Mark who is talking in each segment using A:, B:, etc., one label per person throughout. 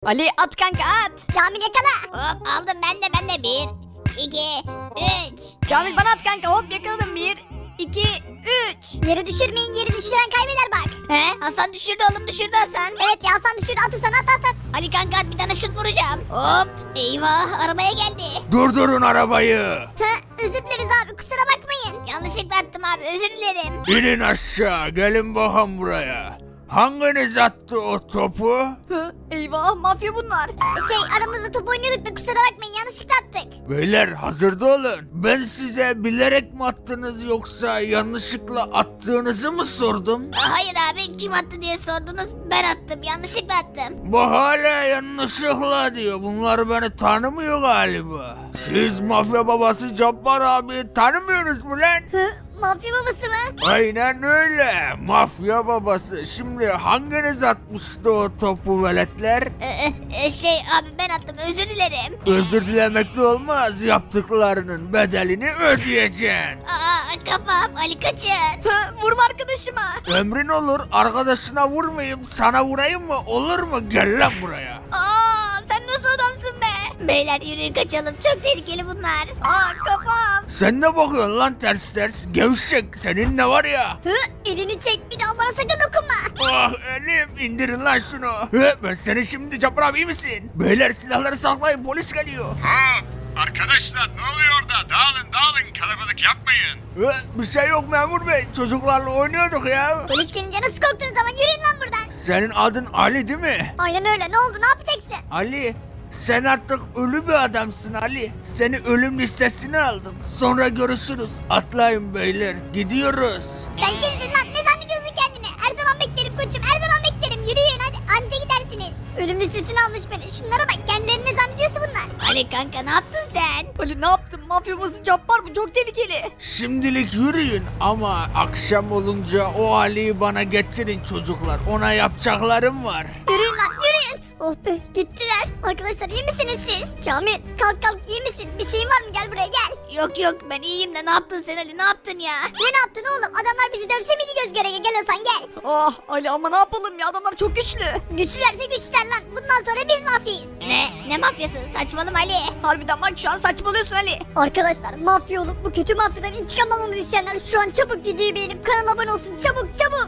A: Ali at kanka at.
B: Kamil yakala.
C: Hop aldım ben de 1, 2, 3.
A: Kamil bana at kanka, hop yakaladım. 1, 2, 3.
B: Yere düşürmeyin, yeri düşüren kaybeder bak.
C: He Hasan düşürdü oğlum, düşürdü Hasan.
B: Evet ya, Hasan düşürdü, atı sana, at.
C: Ali kanka at, bir tane şut vuracağım. Hop eyvah, arabaya geldi.
D: Durdurun arabayı.
B: Özür dileriz abi, kusura bakmayın.
C: Yanlışlıkla attım abi, özür dilerim.
D: İnin aşağı, gelin bakalım buraya. Hanginiz attı o topu?
A: Hı, eyvah mafya bunlar.
B: Aramızda top oynuyorduk da kusura bakmayın, yanlışlıkla attık.
D: Beyler hazırda olun. Ben size bilerek mi attınız yoksa yanlışlıkla attığınızı mı sordum?
C: Hayır abi, kim attı diye sordunuz, ben attım, yanlışlıkla attım.
D: Bu hala yanlışlıkla diyor. Bunlar beni tanımıyor galiba. Siz mafya babası Cabbar abi tanımıyorsunuz mu lan?
B: Mafya babası mı?
D: Aynen öyle. Mafya babası. Şimdi hanginiz atmıştı o topu veletler?
C: Abi ben attım, özür dilerim.
D: Özür dilemekle olmaz. Yaptıklarının bedelini ödeyeceksin.
C: Kafam, Ali kaçın.
A: Hı, vurma arkadaşıma.
D: Emrin olur. Arkadaşına vurmayayım. Sana vurayım mı? Olur mu? Gel lan buraya.
A: Sen nasıl adamsın be?
C: Beyler yürüyün kaçalım, çok tehlikeli bunlar.
A: Kafam.
D: Sen ne bakıyorsun lan ters ters? Gevşek. Senin ne var ya?
B: Elini çek, bir daha bana sakın dokunma.
D: Ah elim. İndirin lan şunu. Ben seni şimdi Cabbar abi, iyi misin? Beyler silahları saklayın. Polis geliyor.
E: Arkadaşlar ne oluyor orada? Dağılın kalabalık yapmayın.
D: Bir şey yok memur bey. Çocuklarla oynuyorduk ya.
B: Polis gelince nasıl korktunuz ama, yürüyün lan buradan.
D: Senin adın Ali değil mi?
B: Aynen öyle, ne oldu, ne yapacaksın?
D: Ali, sen artık ölü bir adamsın Ali. Seni ölüm listesine aldım. Sonra görüşürüz. Atlayın beyler. Gidiyoruz.
B: Sen kimsin lan, ne zannediyorsun kendini? Her zaman beklerim koçum, her zaman beklerim, yürüyün hadi, anca gidersiniz. Ölüm listesine almış beni, şunlara bak, kendilerini ne zannediyorsa bunlar.
C: Ali kanka ne yaptın sen?
A: Ali ne yaptın? Mafya babası Cabbar, bu çok tehlikeli.
D: Şimdilik yürüyün ama akşam olunca o Ali'yi bana getirin çocuklar. Ona yapacaklarım var.
B: Yürüyün lan, yürüyün. Oh be, gittiler. Arkadaşlar iyi misiniz siz? Kamil, kalk iyi misin? Bir şeyin var mı? Gel buraya gel.
C: Yok ben iyiyim de, ne yaptın sen Ali, ne yaptın ya?
B: Ne yaptın oğlum? Adamlar bizi dövse miydi göz göre? Gel Hasan gel.
A: Ali ama ne yapalım ya, adamlar çok güçlü.
B: Güçlülerse güçlüler lan. Bundan sonra biz mafyayız.
C: Ne mafyası, saçmalama Ali.
A: Harbiden bak, şu an saçmalıyorsun Ali.
B: Arkadaşlar, mafya olup bu kötü mafyadan intikam almamızı isteyenler şu an çabuk videoyu beğenip kanala abone olsun. Çabuk.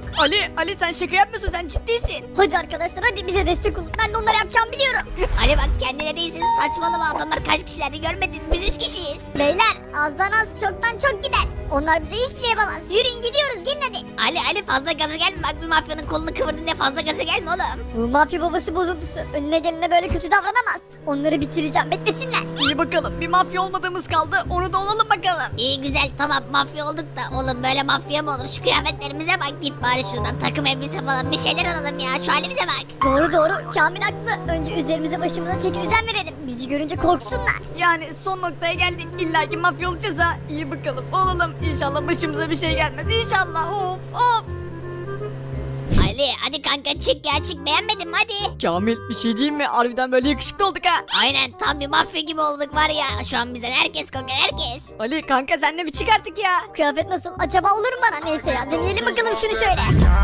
A: Ali sen şaka yapmıyorsun, sen ciddisin.
B: Hadi arkadaşlar, hadi bize destek olun. Ben de onları yapacağımı biliyorum.
C: Ali bak, kendine değilsin, saçmalama, adamlar kaç kişilerdi görmedin mi? Biz 3 kişiyiz.
B: Beyler, azdan az çoktan çok gider. Onlar bize hiçbir şey yapamaz. Yürüyün gidiyoruz, gelin hadi.
C: Ali fazla gaza gelme, bak bir mafyanın kolunu kıvırdın diye fazla gaza gelme oğlum.
B: Bu mafya babası bozuntusu. Önüne gelene böyle kötü davranamaz. Onları bitireceğim, beklesinler.
A: İyi bakalım, bir mafya olmadığımız kaldı, onu da olalım bakalım.
C: İyi güzel, tamam mafya olduk da oğlum, böyle mafya mı olur? Şu kıyafetlerimize bak, git bari şuradan takım elbise falan bir şeyler alalım ya, şu halimize bak.
B: Doğru. Kamil haklı. Önce üzerimize başımıza çeki düzen verelim. Bizi görünce korksunlar.
A: Yani son noktaya geldik, illa ki mafya olacağız ha. İyi bakalım, olalım. İnşallah başımıza bir şey gelmez, İnşallah. Of.
C: Ali hadi kanka çık ya, çık, beğenmedin mi hadi.
A: Kamil, bir şey diyeyim mi? Harbiden böyle yakışıklı olduk ha.
C: Aynen, tam bir mafya gibi olduk var ya, şu an bizden herkes korkar, herkes.
A: Ali kanka, sen de bir çık artık ya.
B: Kıyafet nasıl? Acaba olur mu bana? Neyse ya, deneyelim bakalım şunu şöyle.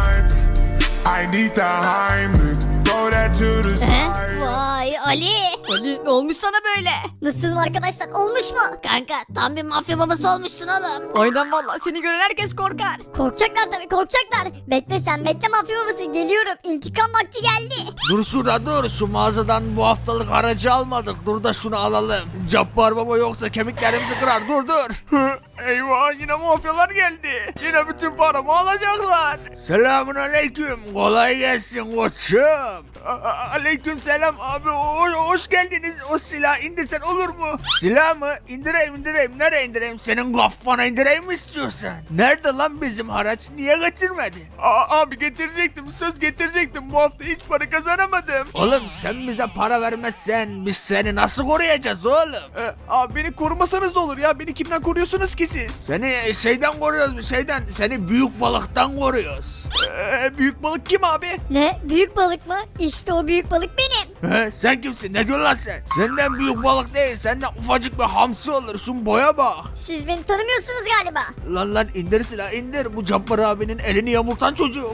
E: I need the Heimlich. Throw that to the side.
C: Vay Ali.
A: Ali ne olmuş sana böyle?
B: Nasıl arkadaşlar? Olmuş mu?
C: Kanka tam bir mafya babası olmuşsun oğlum.
A: Aynen valla, seni gören herkes korkar.
B: Korkacaklar tabii, korkacaklar. Bekle sen, bekle mafya babası. Geliyorum. İntikam vakti geldi.
D: Dur şurada dur. Şu mağazadan bu haftalık aracı almadık. Dur da şunu alalım. Cabbar baba yoksa kemiklerimizi kırar. Dur. Eyvah, yine mafyalar geldi. Yine bütün paramı alacaklar. Selamun aleyküm. Kolay gelsin koçum. Aleyküm selam abi. Hoş geldiniz. O silahı indirsen olur mu? Silah mı? İndireyim. Nereye indireyim? Senin kafana indireyim mi istiyorsan? Nerede lan bizim haraç? Niye getirmedin? Abi getirecektim. Söz getirecektim. Bu hafta hiç para kazanamadım. Oğlum sen bize para vermezsen biz seni nasıl koruyacağız oğlum?
F: Abi beni korumasanız da olur ya. Beni kimden koruyorsunuz ki
D: siz? Seni şeyden koruyoruz biz, şeyden. Seni büyük balıktan koruyoruz. Büyük balık kim abi?
B: Ne? Büyük balık mı? İşte o büyük balık benim.
D: Sen kimsin? Ne diyorsun lan sen? Senden büyük balık değil. Senden ufacık bir hamsi olur. Şun boya bak.
B: Siz beni tanımıyorsunuz galiba.
D: Lan indir silahı indir. Bu Cabbar abinin elini yamultan çocuk.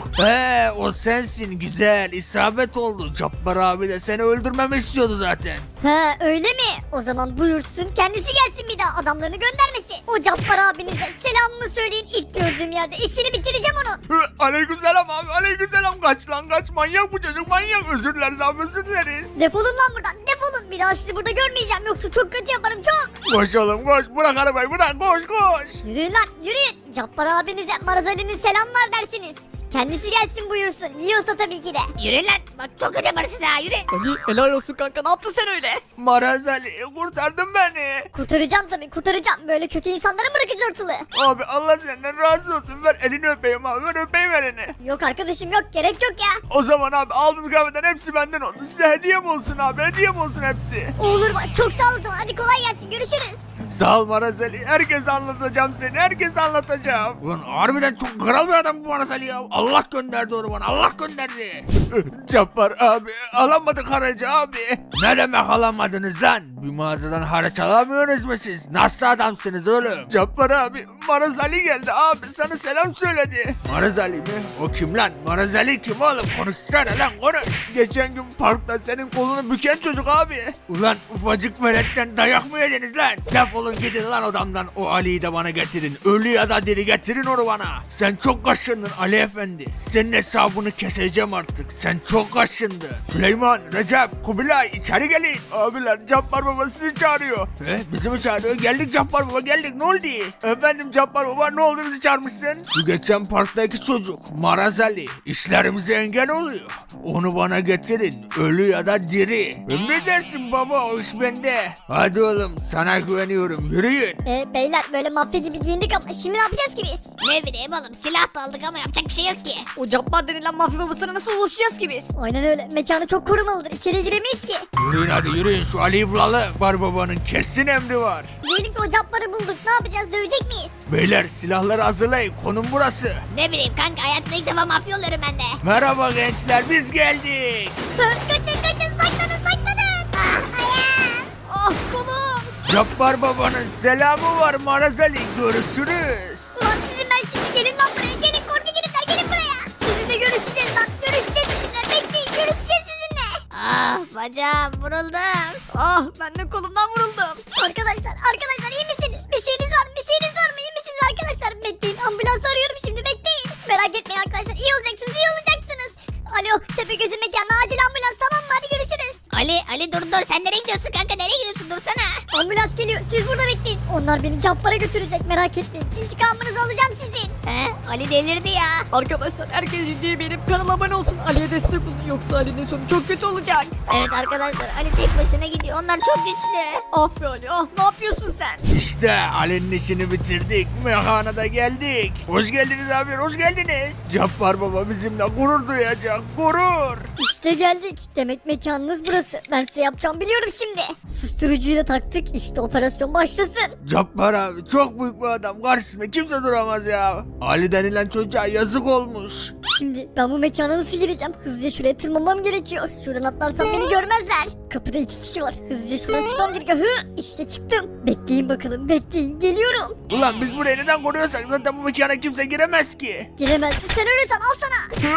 D: O sensin, güzel. İsabet oldu. Cabbar abi de seni öldürmemi istiyordu zaten.
B: Ha öyle mi? O zaman buyursun kendisi gelsin bir daha adamlarını göndermesin. O Cabbar abinize selamımı söyleyin ilk gördüğüm yerde işini bitireceğim onun.
D: Aleykümselam abi, aleykümselam. Kaç lan kaç, manyak bu çocuk, manyak. Özür dileriz abi, özür dileriz.
B: Defolun lan buradan defolun bir daha sizi burada görmeyeceğim yoksa çok kötü yaparım çok.
D: Koş oğlum koş, bırak arabayı bırak, koş koş.
B: Yürüyün lan yürüyün. Cabbar abinize Maraz Ali'nin selamlar dersiniz. Kendisi gelsin buyursun. Yiyorsa tabii ki de.
C: Yürü lan. Bak çok kötü yaparsın ha yürü.
A: Ali helal olsun kanka ne yaptın sen öyle?
D: Maraz Ali, kurtardın beni.
B: Kurtaracağım tabii kurtaracağım. Böyle kötü insanları mı bırakacağız ortalığı?
D: Abi Allah senden razı olsun, ver elini öpeyim abi, ver öpeyim elini.
B: Yok arkadaşım yok gerek yok ya.
D: O zaman abi aldığınız kahveden hepsi benden olsun. Size hediyem olsun abi, hediyem olsun hepsi.
B: Olur bak çok sağ ol o zaman. Hadi kolay gelsin görüşürüz.
D: Sağ ol Maraz Ali. Herkese anlatacağım seni. Herkese anlatacağım. Ulan harbiden çok kral bir adam bu Maraz Ali ya. Allah gönderdi onu bana. Allah gönderdi. Cabbar abi. Alamadık haracı abi. Ne demek alamadınız lan? Bir mağazadan haraç alamıyorsunuz mu siz? Nasıl adamsınız oğlum? Cabbar abi. Maraz Ali geldi abi. Sana selam söyledi. Maraz Ali mi? O kim lan? Maraz Ali kim oğlum? Konuşsana lan konuş. Geçen gün parkta senin kolunu büken çocuk abi. Ulan ufacık veletten dayak mı yediniz lan? Defolun gidin lan odamdan. O Ali'yi de bana getirin. Ölü ya da diri getirin onu bana. Sen çok kaşındın Ali Efendi. Senin hesabını keseceğim artık. Sen çok kaşındın. Süleyman, Recep, Kubilay içeri gelin. Abiler Cabbar Baba sizi çağırıyor. Bizi mi çağırıyor? Geldik Cabbar Baba geldik. Ne oldu? Efendim Cabbar Baba ne oldu bizi çağırmışsın? Şu geçen parktaki çocuk Maraz Ali işlerimize engel oluyor. Onu bana getirin. Ölü ya da diri. Emredersin baba, o iş bende. Hadi oğlum sana güveniyorum. Yürüyün.
B: Beyler böyle mafya gibi giyindik ama şimdi ne yapacağız ki biz?
C: Ne bileyim oğlum silah da aldık ama yapacak bir şey yok ki.
A: O Cabbar denilen mafya babasına nasıl ulaşacağız ki biz?
B: Aynen öyle mekanı çok korumalıdır içeriye giremeyiz ki.
D: Yürüyün hadi yürüyün, şu Ali'yi bulalım. Bar babanın kesin emri var.
B: Diyelim ki o Cabbar'ı bulduk ne yapacağız dövecek miyiz?
D: Beyler silahları hazırlayın, konum burası.
C: Ne bileyim kanka hayatımda ilk defa mafya oluyorum ben de.
D: Merhaba gençler, biz geldik.
B: Kaçın saklanın saklanın. Ah ayağım.
A: Ah kolum.
D: Cabbar babanın selamı var Maraz Ali, görüşürüz.
B: Ulan sizin ben şimdi gelin lan buraya gelin korku gelipler gelin buraya. Sizinle görüşeceğiz lan görüşeceğiz sizinle bekleyin görüşeceğiz sizinle.
C: Ah bacağım vuruldum.
A: Ah ben de kolumdan vuruldum.
B: Arkadaşlar iyi misiniz? Bir şeyiniz var mı iyi misiniz arkadaşlar? Bekleyin ambulans arıyorum şimdi bekleyin. Merak etmeyin arkadaşlar iyi olacaksınız. Alo Tepegöz'ün mekanına acil ambulans tamam mı hadi görüşürüz.
C: Ali dur sen nereye gidiyorsun kanka nereye gidiyorsun dursana.
B: Ambulans geliyor siz burada bekleyin. Onlar beni Cabbar'a götürecek merak etmeyin. İntikamınızı alacağım sizin.
C: Ali delirdi ya.
A: Arkadaşlar herkes videoyu beğenip kanala abone olsun. Ali'ye destek olun yoksa Ali'nin sonu çok kötü olacak.
C: Evet arkadaşlar Ali tek başına gidiyor onlar çok güçlü.
A: Ah be Ali ah ne yapıyorsun sen?
D: İşte Ali'nin işini bitirdik, mekana da geldik. Hoş geldiniz abi, hoş geldiniz. Cabbar baba bizimle gurur duyacak, gurur.
B: İşte geldik. Demek mekanınız burası. Ben size yapacağım biliyorum şimdi. Susturucuyu da taktık. İşte operasyon başlasın.
D: Cabbar abi çok büyük bir adam, karşısında kimse duramaz ya. Ali denilen çocuğa yazık olmuş.
B: Şimdi ben bu mekana nasıl gireceğim? Hızlıca şuraya tırmanmam gerekiyor. Şuradan atlarsam beni görmezler. Kapıda 2 kişi var. Hızlıca şuradan çıkmam gerekiyor. İşte çıktım. Bekleyin bakalım bekleyin. Geliyorum.
D: Ulan biz burayı neden koruyorsak zaten bu mekana kimse giremez ki.
B: Giremez. Sen ölürsen al sana.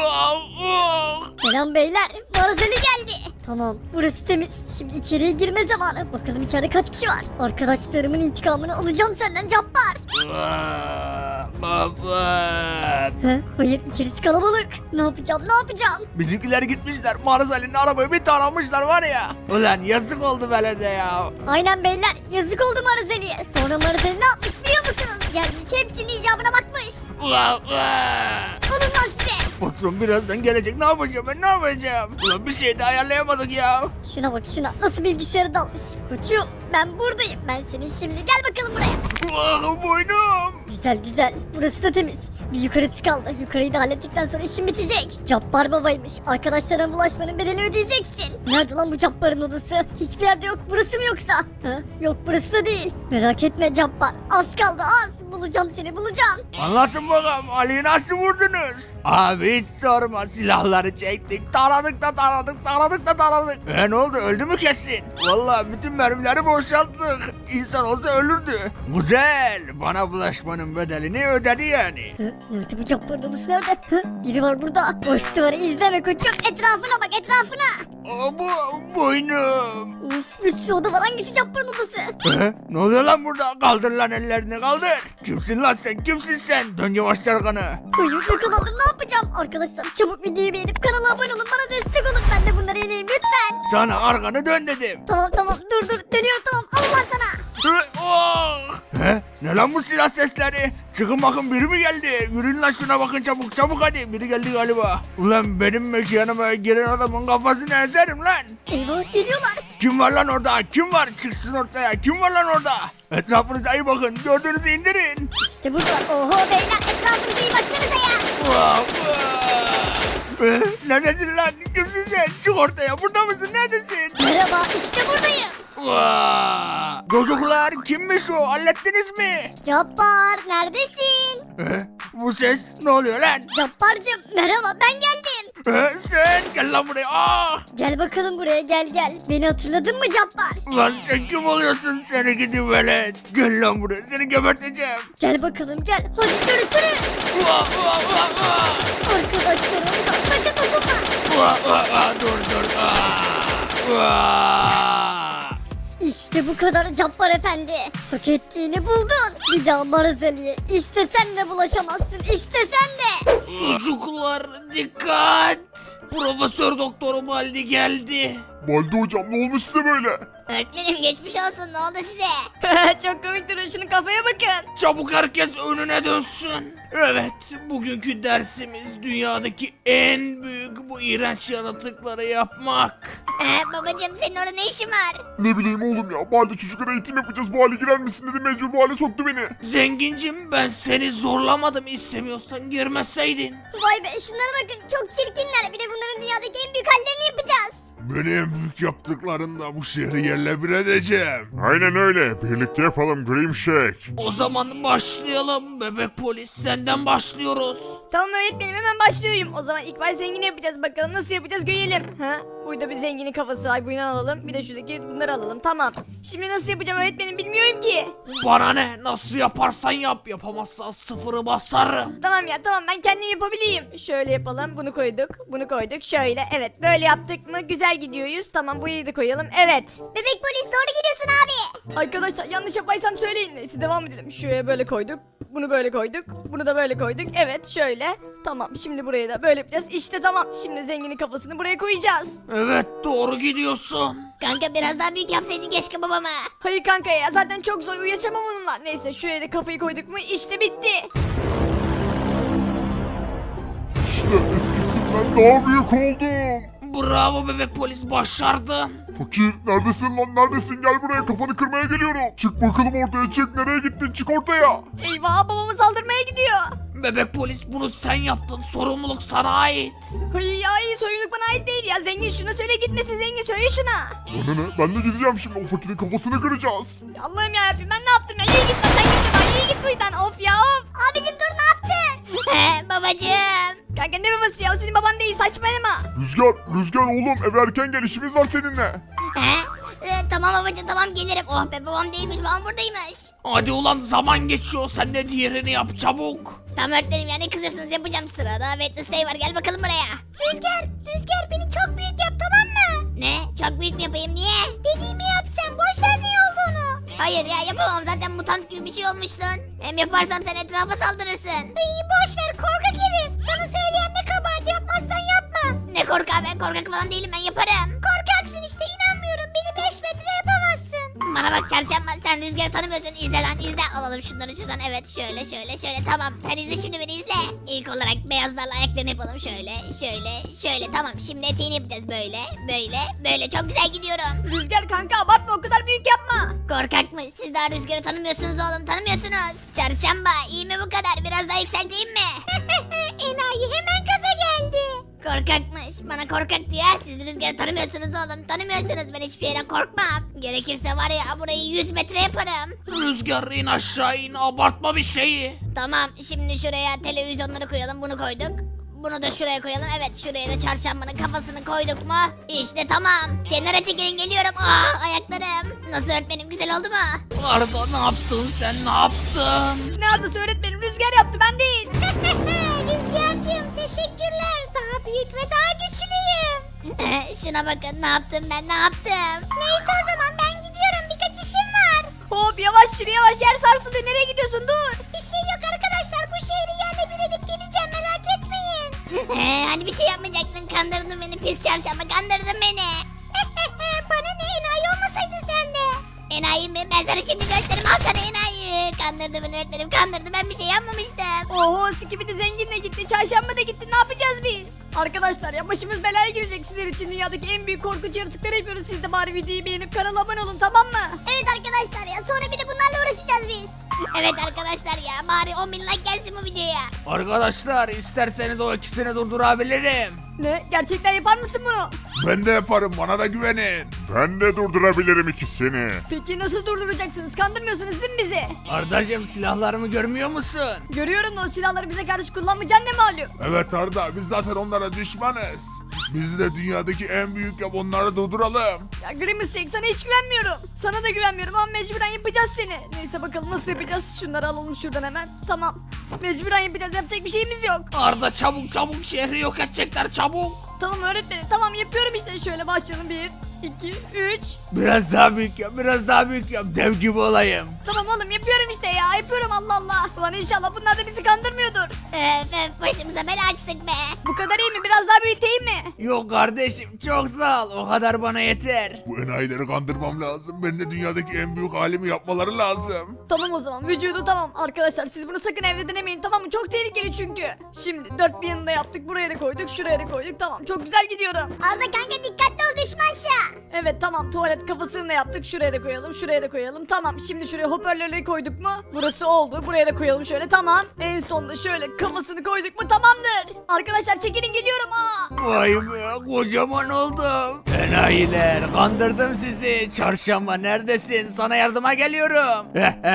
B: Selam beyler. Maraz Ali geldi. Tamam burası temiz. Şimdi içeriye girme zamanı. Bakalım içeride kaç kişi var. Arkadaşlarımın intikamını alacağım senden Cabbar.
D: Baba.
B: Hayır içerisi kalabalık. Ne yapacağım?
D: Bizimkiler gitmişler, Maraz Ali'nin arabayı bir taramışlar var ya. Ulan yazık oldu belede ya.
B: Aynen beyler yazık oldu Maraz Ali'ye. Sonra Maraz Ali ne yapmış biliyor musunuz? Gelmiş hepsinin icabına bakmış. Alın lan size.
D: Patron birazdan gelecek, ne yapacağım ben, ne yapacağım? Ulan bir şey de ayarlayamadık ya.
B: Şuna bak şuna nasıl bilgisayarı dalmış. Koçum ben buradayım. Ben senin şimdi gel bakalım buraya.
D: Ah boynum.
B: Güzel güzel. Burası da temiz. Bir yukarısı kaldı. Yukarıyı da hallettikten sonra işim bitecek. Cabbar babaymış. Arkadaşlarına bulaşmanın bedelini ödeyeceksin. Nerede lan bu Cabbar'ın odası? Hiçbir yerde yok. Burası mı yoksa? Ha? Yok burası da değil. Merak etme Cabbar. Az kaldı az. Bulacağım seni bulacağım.
D: Anlatın bakalım, Ali'yi nasıl vurdunuz? Abi hiç sorma, silahları çektik, taradık da taradık, taradık da taradık. Ne oldu, öldü mü kesin? Vallahi bütün mermileri boşalttık. İnsan olsa ölürdü. Güzel, bana bulaşmanın bedelini ödedi yani.
B: Hı? Nerede bu Cabbar'ın odası nerede? Hı? Biri var burada. Boş duvarı izleme koçum. Etrafına bak etrafına.
D: Bu boynum.
B: Uf, bir sürü oda var. Hangisi Cabbar'ın odası?
D: Ne oluyor lan burada? Kaldır lan ellerini, kaldır. Kimsin lan sen, kimsin sen? Dön yavaş yarganı.
B: Hayır yakalandım ne yapacağım? Arkadaşlar çabuk videoyu beğenip kanala abone olun. Bana destek olun. Ben de bunları yeneyim lütfen.
D: Sana arkanı dön dedim.
B: Tamam dur dönüyorum tamam. Allah sana.
D: Oh! Ne lan bu silah sesleri? Çıkın bakın, biri mi geldi? Yürüyün lan şuna bakın, çabuk çabuk hadi. Biri geldi galiba. Ulan benim mekanıma giren adamın kafasını ezerim lan.
B: Eyvah geliyorlar.
D: Kim var lan orada? Kim var? Çıksın ortaya. Kim var lan orada? Etrafınıza iyi bakın. Gördüğünüzü indirin.
B: İşte burada. Oho beyler etrafınıza iyi baksanıza ya.
D: Vah, vah. Neredesin lan? Kimsin sen? Çık ortaya. Burada mısın? Neredesin?
B: Merhaba işte buradayım.
D: Vah. Çocuklar, kimmiş o? Hallettiniz mi?
B: Cabbar neredesin?
D: Bu ses ne oluyor lan?
B: Cabbarcım merhaba ben geldim.
D: Sen gel lan buraya. Ah!
B: Gel bakalım buraya gel. Beni hatırladın mı Cabbar?
D: Lan sen kim oluyorsun, seni gidi velet? Gel lan buraya, seni geberteceğim.
B: Gel bakalım gel. Hadi görüşürüz.
D: Vah, vah, vah, vah.
B: Arkadaşlar orada sakın dokunma.
D: Vah, vah, vah, dur. Vah.
B: İşte bu kadar Cabbar efendi. Hak ettiğini buldun. Bir daha Marazeli'ye istesen de bulaşamazsın. İstesen de.
D: Çocuklar dikkat. Profesör Doktor Baldi geldi.
E: Baldi hocam ne olmuş size böyle?
C: Öğretmenim geçmiş olsun ne oldu size?
A: Çok komik duruyor, şunun kafaya bakın.
D: Çabuk herkes önüne dönsün. Evet, bugünkü dersimiz dünyadaki en büyük bu iğrenç yaratıkları yapmak.
C: Babacım senin orada ne işin var?
E: Ne bileyim oğlum ya. Baldi çocuklara eğitim yapacağız. Bu hale girer misin dedi. Mecbur bu hale soktu beni.
D: Zengincim, ben seni zorlamadım, istemiyorsan girmeseydin.
B: Vay be şunlara bakın çok çirkinler. Bir de bunların dünyadaki en büyük hallerini yapacağız.
E: Beni en büyük yaptıklarında bu şehri yerle bir edeceğim. Aynen öyle. Birlikte yapalım Grim Shake.
D: O zaman başlayalım bebek polis, senden başlıyoruz.
A: Tamam öğretmenim, hemen başlıyorum. O zaman ilk baş zengini yapacağız, bakalım nasıl yapacağız görelim. Burada bir zenginin kafası var, bunu alalım. Bir de şuradaki bunları alalım, tamam. Şimdi nasıl yapacağım öğretmenim, bilmiyorum ki.
D: Bana ne, nasıl yaparsan yap, yapamazsan sıfırı basarım.
A: Tamam ya tamam, ben kendim yapabileyim. Şöyle yapalım, bunu koyduk şöyle. Evet, böyle yaptık mı güzel gidiyoruz. Tamam, burayı da koyalım, evet.
B: Bebek polis doğru gidiyorsun abi.
A: Arkadaşlar yanlış yapaysam söyleyin. Neyse devam edelim. Şuraya böyle koyduk. Bunu böyle koyduk. Bunu da böyle koyduk. Evet şöyle. Tamam, şimdi buraya da böyle yapacağız. İşte tamam. Şimdi zenginin kafasını buraya koyacağız.
D: Evet, doğru gidiyorsun.
C: Kanka biraz daha büyük yapsaydın keşke babama.
A: Hayır kanka ya, zaten çok zor, uyuyacağım onunla. Neyse şuraya da kafayı koyduk mu işte bitti.
E: İşte eskisinden daha büyük oldum.
D: Bravo bebek polis, başardın.
E: Fakir neredesin lan, neredesin? Gel buraya, kafanı kırmaya geliyorum. Çık bakalım ortaya, çık. Nereye gittin? Çık ortaya.
A: Eyvah, babamı saldırmaya gidiyor.
D: Bebek polis, bunu sen yaptın, sorumluluk sana ait.
A: Hayır ya, iyi soyunluk bana ait değil ya. Zengin şuna söyle gitmesin, zengin söyle şuna.
E: Bana ne? Ben de gideceğim şimdi, o fakirin kafasını kıracağız.
A: Ya Allah'ım yarabbim, ben ne yaptım ya? İyi git lan, sen git lan, iyi git buradan. Of ya of.
B: Abicim dur ne yaptın?
C: Babacım.
A: Kanka ne babası ya, o senin baban değil, saçmalama.
E: Rüzgar oğlum, eve erken gel, işimiz var seninle.
C: Tamam babacım tamam gelirim. Oh be babam değilmiş babam buradaymış.
D: Hadi ulan, zaman geçiyor, sen de diğerini yap çabuk.
C: Tamam öğretmenim ya ne kızıyorsunuz yapacağım sırada. Wednesday var gel bakalım buraya. Rüzgar beni çok büyük yap tamam mı? Ne? Çok büyük mü yapayım niye? Dediğimi yap sen boş ver ne olduğunu. Hayır ya yapamam zaten mutant gibi bir şey olmuştun. Hem yaparsam sen etrafa saldırırsın. İyi boş ver korkak herif. Sana söyleyen ne kabahat yapmazsan yapma. Ne korkak ben korkak falan değilim ben yaparım. Korkaksın işte inanmıyorum beni 5 metre yapamazsın. Bana bak çarşamba, sen Rüzgar'ı tanımıyorsun. İzle lan izle. Alalım şunları şuradan. Evet şöyle şöyle şöyle, tamam. Sen izle şimdi, beni izle. İlk olarak beyazlarla ayaklarını yapalım. Şöyle tamam. Şimdi eteğini yapacağız böyle. Çok güzel gidiyorum.
A: Rüzgar kanka abartma, o kadar büyük yapma.
C: Korkakmış. Siz daha Rüzgar'ı tanımıyorsunuz oğlum, tanımıyorsunuz. Çarşamba, iyi mi bu kadar? Biraz daha yükselteyim mi? Enayi hemen gaza geldi. Korkakmış. Bana korkak diyor. Siz Rüzgar'ı tanımıyorsunuz oğlum, tanımıyorsunuz. Ben hiçbir şeyden korkmam. Gerekirse var ya, burayı 100 metre yaparım.
D: Rüzgar in aşağı in, abartma bir şeyi.
C: Tamam, şimdi şuraya televizyonları koyalım. Bunu koyduk. Bunu da şuraya koyalım. Evet, şuraya da çarşambanın kafasını koyduk mu? İşte tamam. Kenara çekilin, geliyorum. Ayaklarım. Nasıl öğretmenim, güzel oldu mu?
D: Arda ne yaptın sen, ne yaptın?
A: Ne yaptı öğretmenim, Rüzgar yaptı, ben değil.
C: Rüzgar'cığım teşekkürler. Daha büyük ve daha güçlüyüm. Şuna bakın, ne yaptım ben, ne yaptım? Neyse o zaman ben gidiyorum. Birkaç işim var.
A: Hop yavaş yürü, yavaş, yer sarsıldı, nereye gidiyorsun, dur.
C: Bir şey yok arkadaşlar. Bu şehri yerle bir edip geleceğim, merak etmeyin. Hani bir şey yapmayacaktın, kandırdın beni pis çarşamba, kandırdın beni. Bana ne, enayi olmasaydın sen de. Enayi mi? Ben sana şimdi gösteririm, al sana enayi. Kandırdı beni öğretmenim, kandırdı, ben bir şey yapmamıştım.
A: Oho, Skibidi zenginle gitti, çarşamba da gitti, ne yapacağız biz? Arkadaşlar ya, başımız belaya girecek, sizler için dünyadaki en büyük korkunç yaratıkları yapıyoruz. Siz de bari videoyu beğenip kanala abone olun, tamam mı?
B: Evet arkadaşlar ya, sonra bir de bunlarla uğraşacağız biz.
C: Evet arkadaşlar ya, bari 10.000 like gelsin bu videoya.
D: Arkadaşlar isterseniz o ikisini durdurabilirim.
A: Ne? Gerçekten yapar mısın bunu?
E: Ben de yaparım, bana da güvenin. Ben de durdurabilirim ikisini.
A: Peki nasıl durduracaksınız? Kandırmıyorsunuz değil mi bizi?
D: Ardacığım silahlarımı görmüyor musun?
A: Görüyorum da o silahları bize karşı kullanmayacaksın, ne malum?
E: Evet Arda, biz zaten onlara düşmanız. Biz de dünyadaki en büyük yap, onları durduralım.
A: Ya Grimace Shake, sana hiç güvenmiyorum. Sana da güvenmiyorum ama mecburen yapacağız seni. Neyse bakalım nasıl yapacağız? Şunları alalım şuradan hemen. Tamam. Mecburen yapacağız, yapacak bir şeyimiz yok.
D: Arda çabuk şehri yok edecekler, çabuk.
A: Tamam öğretmenim, tamam yapıyorum işte. Şöyle başlayalım, 1, 2, 3.
D: Biraz daha büyük yap, biraz daha büyük yap, dev gibi olayım.
A: Tamam oğlum, yapıyorum işte ya, yapıyorum, Allah Allah. Ulan inşallah bunlar da bizi kandırmıyordur.
C: Başımıza bela açtık be.
A: Bu kadar iyi mi? Biraz daha büyüteyim mi?
D: Yok kardeşim, çok sağ ol, o kadar bana yeter.
E: Bu enayileri kandırmam lazım. Ben de dünyadaki en büyük halimi yapmaları lazım.
A: Tamam o zaman, vücudu tamam. Arkadaşlar siz bunu sakın evde denemeyin, tamam mı? Çok tehlikeli çünkü. Şimdi dört bir yanında yaptık, buraya da koyduk, şuraya da koyduk, tamam. Çok güzel gidiyorum.
B: Arda kanka dikkatli ol, düşmanşa.
A: Evet tamam, tuvalet kafasını da yaptık, şuraya da koyalım, şuraya da koyalım, tamam. Şimdi şuraya hoparlörleri koyduk mu? Burası oldu, buraya da koyalım şöyle, tamam. En sonunda şöyle kafasını koyduk mu? Tamamdır. Arkadaşlar çekilin, geliyorum.
D: Vay be, kocaman oldum. Enayiler, kandırdım sizi. Çarşamba neredesin? Sana yardıma geliyorum.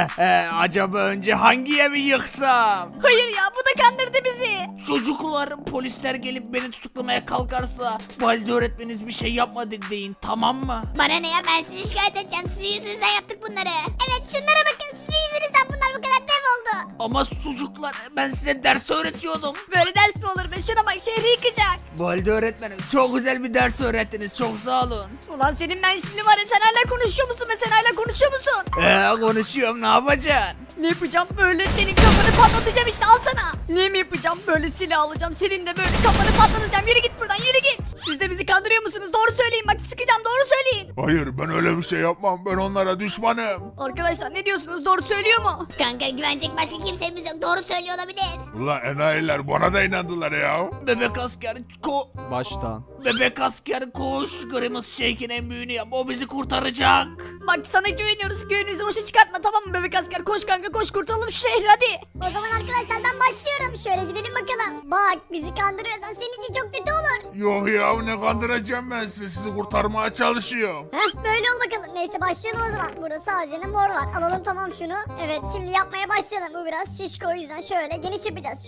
D: Acaba önce hangi evi yıksam?
A: Hayır ya, bu da kandırdı bizi.
D: Çocuklar, polisler gelip beni tutuklamaya kalkarsa valide öğretmeniniz bir şey yapmadık deyin, tamam mı?
C: Bana ne ya, ben sizi şikayet edeceğim. Sizin yüzünüzden yaptık bunları.
B: Evet şunlara bakın, sizin yüzünüzden bunlar bu kadar dev oldu.
D: Ama çocuklar, ben size ders öğretiyordum.
A: Böyle ders mi olur be? Şuna bak, şehri yıkacak.
D: Valide öğretmenim, çok güzel bir ders öğrettiniz, çok sağ olun.
A: Ulan senin ben şimdi var ya, sen hala konuşuyor musun be? Sen hala konuşuyor musun?
D: Konuşuyorum, ne yapacaksın?
A: Ne yapacağım? Böyle senin kafanı patlatacağım işte, al sana. Ne mi yapacağım? Böyle silah alacağım, senin de böyle kafanı patlatacağım. Yürü git buradan, yürü git. Siz de bizi kandırıyor musunuz? Doğru söyleyin bak, sıkacağım, doğru söyleyin.
E: Hayır, ben öyle bir şey yapmam. Ben onlara düşmanım.
A: Arkadaşlar ne diyorsunuz? Doğru söylüyor mu?
C: Kanka güvenecek başka kimsemiz yok. Doğru söylüyor olabilir.
E: Ulan enayiler bana da inandılar ya.
D: Bebek asker Baştan. Bebek asker koş, Grimace Shake'in en büyüğünü yap, o bizi kurtaracak.
A: Bak sana güveniyoruz, güvenimizi boşa çıkartma, tamam mı bebek asker? Koş kanka, koş, kurtulalım şu şehri, hadi.
B: O zaman arkadaşlar ben başlıyorum. Şöyle gidelim bakalım. Bak bizi kandırıyorsan senin için çok kötü olur.
E: Yok ya, ne kandıracağım ben sizi. Sizi kurtarmaya çalışıyorum.
B: Heh böyle ol bakalım. Neyse başlayalım o zaman. Burada sadece mor var. Alalım tamam şunu. Evet şimdi yapmaya başlayalım. Bu biraz şişko, o yüzden şöyle geniş yapacağız.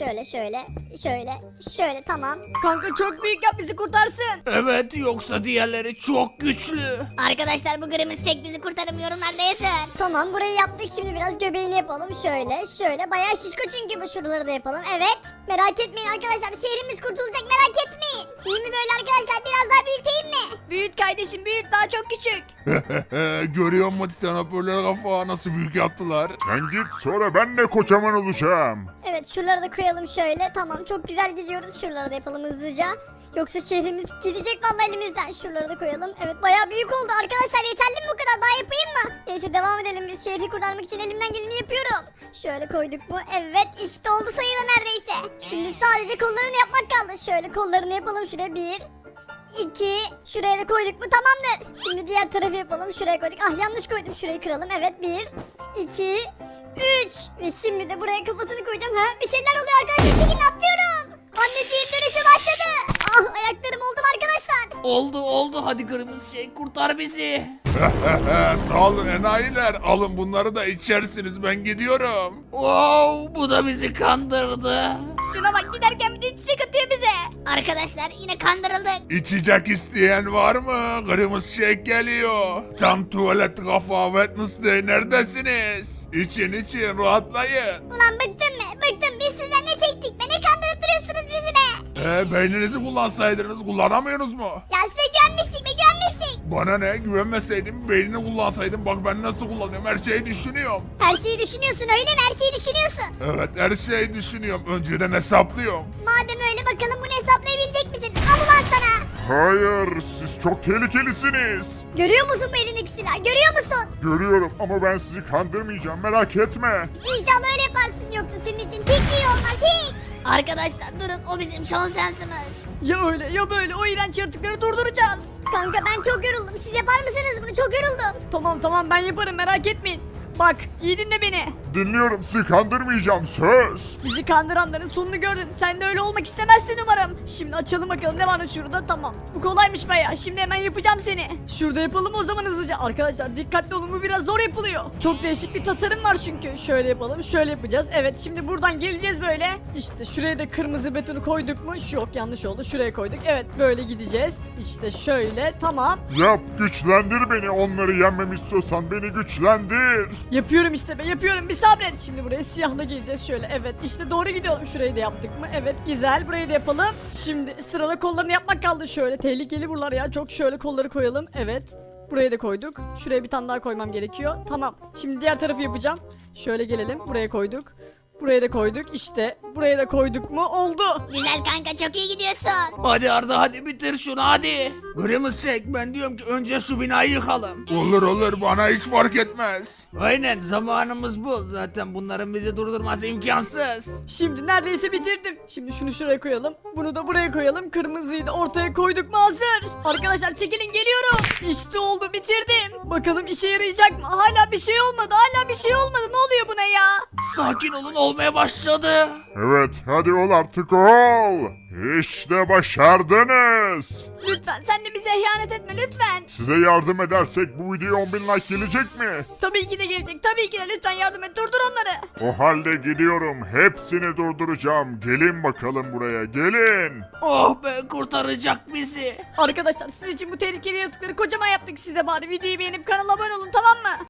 B: Şöyle tamam.
A: Kanka çok büyük yap, bizi kurtarsın.
D: Evet, yoksa diğerleri çok güçlü.
C: Arkadaşlar bu Grimace Shake bizi kurtarın, yorumlarda yazın.
B: Tamam burayı yaptık, şimdi biraz göbeğini yapalım. Şöyle bayağı şişko çünkü bu, şuraları da yapalım. Evet merak etmeyin arkadaşlar, şehrimiz kurtulacak, merak etmeyin. İyi mi böyle arkadaşlar, biraz daha büyüteyim mi?
A: Büyüt kardeşim, büyüt, daha çok küçük.
E: Görüyor musun titan hoparlör kafa nasıl büyük yaptılar? Sen git, sonra ben de kocaman olacağım.
B: Evet şuraları da koyalım şöyle. Tamam çok güzel gidiyoruz, şuraları da yapalım hızlıca. Yoksa şehrimiz gidecek vallahi elimizden. Şuraları da koyalım. Evet bayağı büyük oldu arkadaşlar, yeterli mi bu kadar, daha yapayım mı? Neyse devam edelim biz şehri kurtarmak için elimden geleni yapıyorum. Şöyle koyduk mu? Evet işte oldu sayılı neredeyse. Şimdi sadece kollarını yapmak kaldı. Şöyle kollarını yapalım şuraya 1 2 şuraya da koyduk mu tamamdır. Şimdi diğer tarafı yapalım. Şuraya koyduk. Ah yanlış koydum. Şurayı kıralım. Evet 1 2 3 ve şimdi de buraya kafasını koyacağım. Ha bir şeyler oluyor arkadaşlar. Çekin atlıyorum. Anneciğim dönüşü başladı. Ah ayaklarım oldum arkadaşlar.
D: Oldu hadi kırmızı şey kurtar bizi.
E: Sağ olun enayiler. Alın bunları da içersiniz ben gidiyorum.
D: Wow bu da bizi kandırdı.
A: Şuna bak giderken bir de çiçek atıyor bize.
C: Arkadaşlar yine kandırıldık.
E: İçecek isteyen var mı? Kırmızı şey geliyor. Tam tuvalet kafa Wednesday neredesiniz? İçin rahatlayın.
B: Ulan bıktım mı? Bıktım. Biz sizden ne çektik? Beni kandırıp duruyorsunuz bizi be.
E: Beyninizi kullansaydınız kullanamıyorsunuz mu?
B: Ya size güvenmiştik be güvenmiştik.
E: Bana ne güvenmeseydim beynini kullansaydım bak ben nasıl kullanıyorum her şeyi düşünüyorum.
B: Her şeyi düşünüyorsun öyle mi? Her şeyi düşünüyorsun.
E: Evet her şeyi düşünüyorum önceden hesaplıyorum.
B: Madem öyle bakalım bunu hesaplayabilecek misin? Al ulan sana.
E: Hayır siz çok tehlikelisiniz.
B: Görüyor musun bu elindeki silahı? Görüyor musun?
E: Görüyorum ama ben sizi kandırmayacağım merak etme.
B: İnşallah öyle yaparsın yoksa senin için hiç iyi olmaz hiç.
C: Arkadaşlar durun o bizim son şansımız.
A: Ya öyle ya böyle o iğrenç yaratıkları durduracağız.
B: Kanka ben çok yoruldum. Siz yapar mısınız bunu? Çok yoruldum.
A: Tamam ben yaparım merak etmeyin. Bak iyi dinle beni.
E: Dinliyorum sizi kandırmayacağım söz.
A: Bizi kandıranların sonunu gördün. Sen de öyle olmak istemezsin umarım. Şimdi açalım bakalım ne varmış şurada. Tamam. Bu kolaymış baya. Şimdi hemen yapacağım seni. Şurada yapalım o zaman hızlıca. Arkadaşlar dikkatli olun bu biraz zor yapılıyor. Çok değişik bir tasarım var çünkü. Şöyle yapalım. Şöyle yapacağız. Evet şimdi buradan geleceğiz böyle. İşte şuraya da kırmızı betonu koyduk mu? Yok yanlış oldu. Şuraya koyduk. Evet böyle gideceğiz. İşte şöyle. Tamam.
E: Yap güçlendir beni onları yenmemi istiyorsan beni güçlendir.
A: Yapıyorum işte be yapıyorum bir sabret. Şimdi buraya siyahla geleceğiz şöyle. Evet işte doğru gidiyorum. Şurayı da yaptık mı? Evet güzel burayı da yapalım. Şimdi sırada kollarını yapmak kaldı şöyle. Tehlikeli buralar ya. Çok şöyle kolları koyalım. Evet. Buraya da koyduk. Şuraya bir tane daha koymam gerekiyor. Tamam. Şimdi diğer tarafı yapacağım. Şöyle gelelim. Buraya koyduk. Buraya da koyduk. İşte buraya da koyduk mu? Oldu.
C: Güzel kanka çok iyi gidiyorsun.
D: Hadi Arda hadi bitir şunu hadi. Kırmızı çek ben diyorum ki önce şu binayı yıkalım.
E: Olur bana hiç fark etmez.
D: Aynen zamanımız bu. Zaten bunların bizi durdurması imkansız.
A: Şimdi neredeyse bitirdim. Şimdi şunu şuraya koyalım. Bunu da buraya koyalım. Kırmızıyı da ortaya koyduk mu hazır. Arkadaşlar çekilin geliyorum. İşte oldu bitirdim. Bakalım işe yarayacak mı? Hala bir şey olmadı. Hala bir şey olmadı. Ne oluyor buna ya?
D: Sakin olun olmaya başladı.
E: Evet hadi ol artık ol. İşte başardınız.
A: Lütfen sen de bize ihanet etme lütfen.
E: Size yardım edersek bu video 10.000 like gelecek mi?
A: Tabii ki de gelecek. Tabii ki de lütfen yardım et. Durdur onları.
E: O halde gidiyorum. Hepsini durduracağım. Gelin bakalım buraya. Gelin.
D: Oh be kurtaracak bizi.
A: Arkadaşlar siz için bu tehlikeli yaratıkları kocaman yaptık size bari. Videoyu beğenip kanala abone olun tamam mı?